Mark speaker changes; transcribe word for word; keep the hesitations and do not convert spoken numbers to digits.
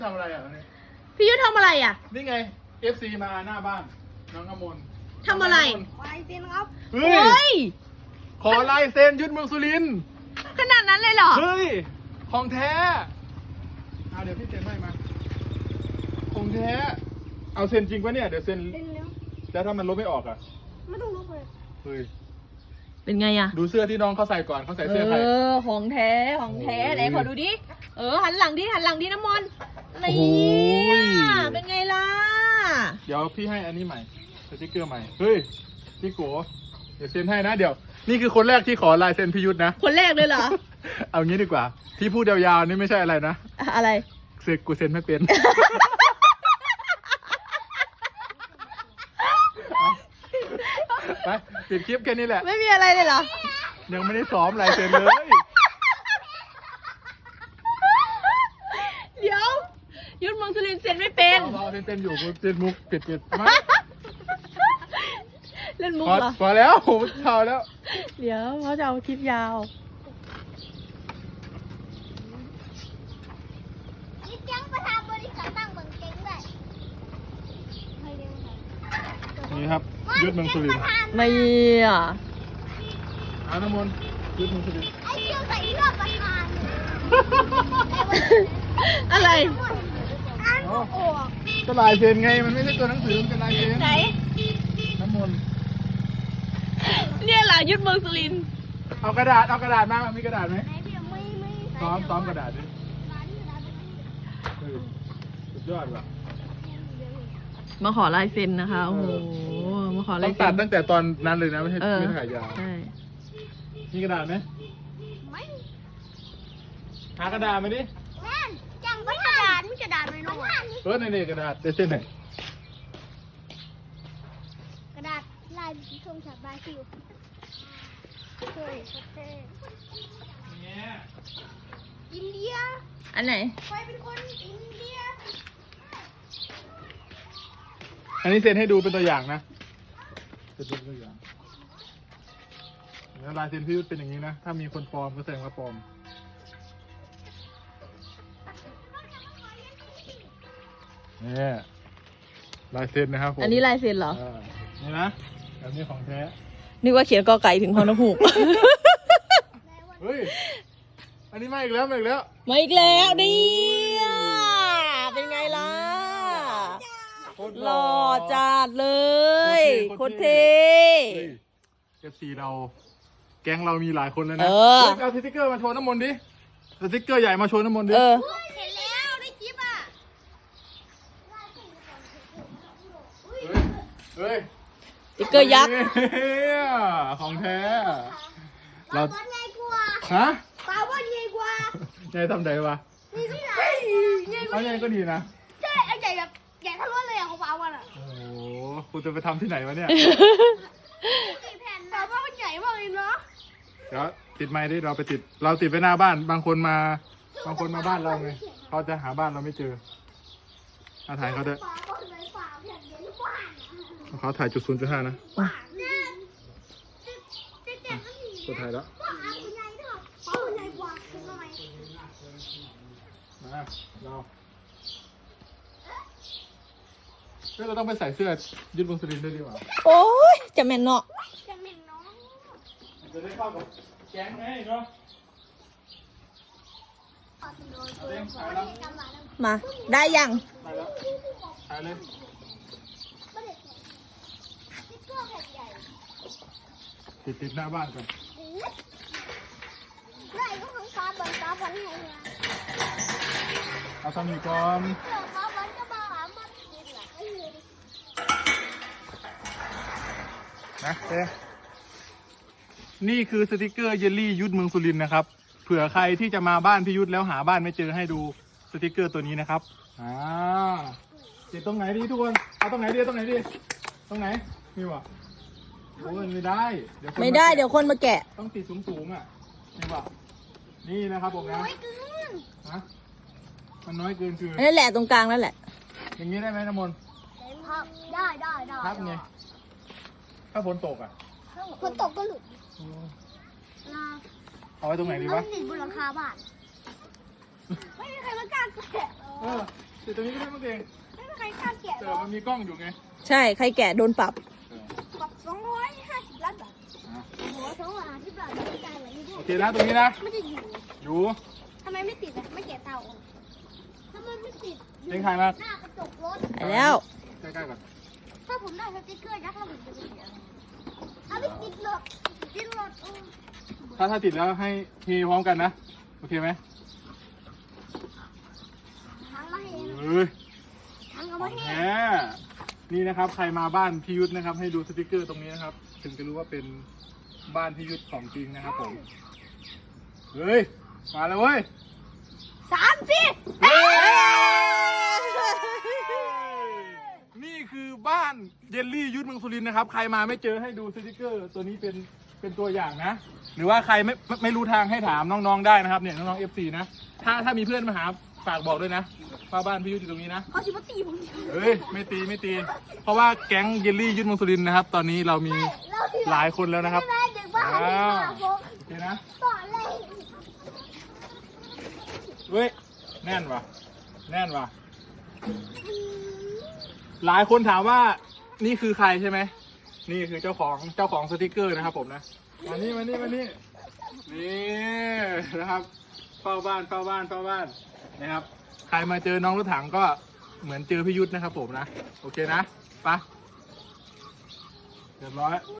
Speaker 1: ทำอะไรอ่ะนี่
Speaker 2: พี่ยุทธทำอะไรอ่ะ
Speaker 1: นี่ไง เอฟ ซี มาหน้าบ้านน้องกมล
Speaker 2: ทำอะไร
Speaker 3: ลายเซ็นครับ
Speaker 1: เฮ้ยขอลายเซ็นยุทธเมืองสุรินทร์
Speaker 2: ขนาดนั้นเลยเหรอ
Speaker 1: เฮ้ยของแท้เอาเดี๋ยวพี่เซ็นให้มาของแท้เอาเซ็นจริงปะเนี่ยเดี๋ยวเซ็นแล้วถ้ามันลบไม่ออกอ่ะ
Speaker 3: ไม่ต้องลบเลย
Speaker 1: เฮ้ย
Speaker 2: เป็นไงอ่ะ
Speaker 1: ดูเสื้อที่น้องเขาใส่ก่อนเขาใส่เสื้อใคร
Speaker 2: เออของแท้ของแท้ไหนขอดูดิเออหันหลังดิหันหลังดิน้ำมนต์นี่เป็นไงล่ะ
Speaker 1: เดี๋ยวพี่ให้อันนี้ใหม่สติ๊กเกอร์ใหม่เฮ้ยพี่โกเดี๋ยวเซ็นให้นะเดี๋ยวนี่คือคนแรกที่ขอลายเซ็นพี่ยุทธนะ
Speaker 2: คนแรกเลยเหรอ
Speaker 1: เอางี้ดีกว่าที่พูดยาวๆนี่ไม่ใช่อะไรนะ
Speaker 2: อะไร
Speaker 1: เซ็นกูเซ็นไม่เป็นไปปิดคลิปแค่นี้แหละ
Speaker 2: ไม่มีอะไรเลยเหรอ
Speaker 1: ยังไม่ได้ซ้อมลายเซ็นเลย
Speaker 2: เดี๋ยวยุทธเมืองสุรินทร์เซ็นไม่เป็น
Speaker 1: เราเซ็นเซ็นอยู่เซ็นมุกปิดปิดมา
Speaker 2: เล่นมุกเหรอ
Speaker 1: พอแล้วผมเท่าแล้ว
Speaker 2: เดี๋ยวเขาจะเอาคลิปยาว
Speaker 3: นี่จังประธานบริษัทตั้งเมืองเก่งด้วย
Speaker 1: นี่ครับยุทธเมืองสุรินทร์
Speaker 2: ไม่อ่ะ
Speaker 1: อาน้ำมนต์ยุทธเมืองสุรินทร์
Speaker 3: ไอ้เจ้าใส่รอบประธาน
Speaker 2: อะไร
Speaker 3: อ่านออก
Speaker 1: ก็ลายเซ็นไงมันไม่ใช่ตัวหนังสือมันเป็นลายเซ็น
Speaker 2: ไหน
Speaker 1: น้ำมนต์
Speaker 2: เนี่ยแหละยุทธเมืองสุรินทร์
Speaker 1: เอากระดาษเอากระดาษมามีกระดาษไหม
Speaker 3: ไม่ไม่
Speaker 1: ซ้อมซ้อมกระดาษดิสุดยอดว่ะ
Speaker 2: มาขอลายเซ็นนะคะโอ้โหมาขอลายเซ็น
Speaker 1: ต้องตัดตั้งแต่ตอนนั้นเลยนะไม่ใช่ไม่ถ่ายยาว
Speaker 2: ใช่
Speaker 1: มีกระดาษไหม
Speaker 3: ไม่
Speaker 1: หากระดาษมาดิ
Speaker 3: แม่จังประธานมีกระดาษไหมน้อง
Speaker 1: เออในนี่กระดาษเดี๋ยวเซ็นหน่อย
Speaker 3: กระดาษลายทงจากบราซิลเฮ้ยประเทศอินเดีย
Speaker 2: อันไหน
Speaker 3: ใครเป็นคนอินเดีย
Speaker 1: อันนี้เซ็นให้ดูเป็นตัวอย่างนะเป็นตัวอย่างแล้วลายเซ็นพี่ยุทธเป็นอย่างนี้นะถ้ามีคนปลอมก็แสดงว่าปลอมนี่ลายเซ็นนะครับผม
Speaker 2: อันนี้ลายเซ็นเหรอ
Speaker 1: นี่นะแบบนี้ของแท้
Speaker 2: นึกว่าเขียนกอไก่ถึงพอนกฮูก
Speaker 1: เฮ้ยอันนี้มาอีกแล้วมาอีกแล้ว
Speaker 2: มาอีกแล้วนี่เป็นไงล่ะหล่อจัดเลยโคตรเท่
Speaker 1: เอฟซีเราแก๊งเรามีหลายคนแล้วนะเอาสติ๊กเกอร์มาโชว์น้ำมนต์ดิสติ๊กเกอร์ใหญ่มาโชว์น้ำมนต์ดิ
Speaker 2: เออ
Speaker 3: เห็นแล้วได้คลิปอ่ะ
Speaker 1: เฮ้ย
Speaker 2: สติ๊กเกอร์ยักษ์
Speaker 1: ของแท้
Speaker 3: เราบอลใหญ่กว่า
Speaker 1: ฮะ
Speaker 3: ปลาบอลใหญ่กว่า
Speaker 1: ใหญ่ทำใดวะ
Speaker 3: นี่ที่ไหน
Speaker 1: เอาใหญ่ก็ดีนะ
Speaker 3: ใช่ไอ้ใหญ่แบบใหญ่ทั้งรถเลยอ่ะของปลาบอลอ่ะ
Speaker 1: โอ้โหคุณจะไปทำที่ไหนวะเนี่ย
Speaker 3: แผ่นปลาบอลมันใหญ่มากเลยเนาะ
Speaker 1: เดี๋ยวติดไม้ดิเราไปติดเราติดไว้หน้าบ้านบางคนมาบางคนมาบ้านเราไงเขาจะหาบ้านเราไม่เจออาถ่ายเขาด้วยเขาถ่ายจุดศูนย์จุดห้านะกดถ่ายแล้วมาเราเฮ้ยเราต้องไปใส่เสื้อยุทธเมืองสุรินทร์ด้วยดีกว่า
Speaker 2: โอ้ยจะแม่นเนาะ
Speaker 3: จะแม่นเนาะ
Speaker 1: จะได้เข้ากับแก๊งไงเนาะ
Speaker 2: มาได้ยัง
Speaker 1: ได้แล้วถ่ายเลยติดติดหน้าบ้านก่อน
Speaker 3: ได้ก็ของปลาบอลปลาบอลให้เนี่ย
Speaker 1: เอาทำอีกก่อน
Speaker 3: ปลาบอลก็มาหามันกินเหรอ
Speaker 1: นะเต้นี่คือสติกเกอร์เยลลี่ยุทธเมืองสุรินทร์นะครับเผื่อใครที่จะมาบ้านพี่ยุทธแล้วหาบ้านไม่เจอให้ดูสติกเกอร์ตัวนี้นะครับอ่าติดตรงไหนดีทุกคนเอาตรงไหนดีตรงไหนดีตรงไหนนี่วะโอ้ยไม่ได้
Speaker 2: เดี๋ยวไม่ได้เดี๋ยวคนมาแกะ
Speaker 1: ต้องติดสูงสูงอ่ะนี่วะนี่นะครับผมนะ
Speaker 3: น้อยเกิน
Speaker 1: ฮะมันน้อยเกินคือ
Speaker 2: นั่นแหละตรงกลางนั่นแหละ
Speaker 1: อย่างนี้ได้ไหมน้ำมนต์
Speaker 3: ได้ได้ได้
Speaker 1: ครับไงถ้าฝนตกอ่ะ
Speaker 3: ฝนตกก็หลุด
Speaker 1: เอาไว้ตรงไหนดีวะ
Speaker 3: ติดบนหลังคาบ้านไม่มีใครมากล้าแกะ
Speaker 1: เออติดตรงนี้ก็ได้มั้งเอง
Speaker 3: ไม่มีใครกล้าแกะห
Speaker 1: แต่
Speaker 3: รอก
Speaker 1: มันมีกล้องอยู่ไง
Speaker 2: ใช่ ใครแกะโดนปรับ
Speaker 1: เออ
Speaker 3: ปรับสองร้อยห้าสิบล้านบาท
Speaker 1: อ่ะ
Speaker 3: โอ้โหสองร้อยห้าสิบล้านไม่ได้เลยนี่ด้ว
Speaker 1: โอย เคนะตรงนี้นะ
Speaker 3: ไม่ได้อยู่
Speaker 1: อยู่
Speaker 3: ทำไมไม่ติดอ่ะไม่แกะเตาออกทำไมไม่ติด
Speaker 1: เองถ่ายมา
Speaker 3: หน้ากระจกรถ
Speaker 2: ไปแล้ว
Speaker 1: ใกล้ๆก่อน
Speaker 3: ถ้าผมได้สติ๊กเกอร์ยักษ์แล้วผมจะไปเสียเอาไม่ติดหรอกติดหรอกเออ
Speaker 1: ถ้าถ้าติดแล้วให้เฮพร้อมกันนะ โอเคไหม
Speaker 3: ทางมาให้เอง
Speaker 1: เฮ้ย
Speaker 3: ทางเอามาให้
Speaker 1: แหมนี่นะครับ ใครมาบ้านพี่ยุทธนะครับ ให้ดูสติกเกอร์ตรงนี้นะครับ ถึงจะรู้ว่าเป็นบ้านพี่ยุทธของจริงนะครับผม เฮ้ย มาแล้วเว้ย
Speaker 3: สามสิ
Speaker 1: นี่คือบ้านเยลลี่ยุทธเมืองสุรินทร์นะครับ ใครมาไม่เจอให้ดูสติกเกอร์ ตัวนี้เป็นเป็นตัวอย่างนะ หรือว่าใครไม่ไม่ไม่รู้ทางให้ถามน้องๆได้นะครับเนี่ยน้องๆเอฟซีนะ ถ้าถ้ามีเพื่อนมาหาฝากบอกด้วยนะว่าบ้านพี่ยุทธอยู่ตรงนี้นะ
Speaker 3: เขาสิมาตีผม
Speaker 1: เฮ้ยไม่ตีไม่ตี เพราะว่าแก๊งเยลลี่ยุทธเมืองสุรินทร์นะครับ ตอนนี้เรามีหลายคนแล้วนะครับ
Speaker 3: ไม่ได้เด็กบ้าเด็กบ้าผม
Speaker 1: โอเคนะ
Speaker 3: ต่อเลย
Speaker 1: เฮ้ยแน่นว่ะแน่นว่ะหลายคนถามว่านี่คือใครใช่ไหมนี่คือเจ้าของเจ้าของสติกเกอร์นะครับผมนะมานี่มานี่มานี่นี่นะครับเฝ้าบ้านเฝ้าบ้านเฝ้าบ้านนะครับใครมาเจอน้องรถถังก็เหมือนเจอพี่ยุทธนะครับผมนะโอเคนะไปเรียบร้อย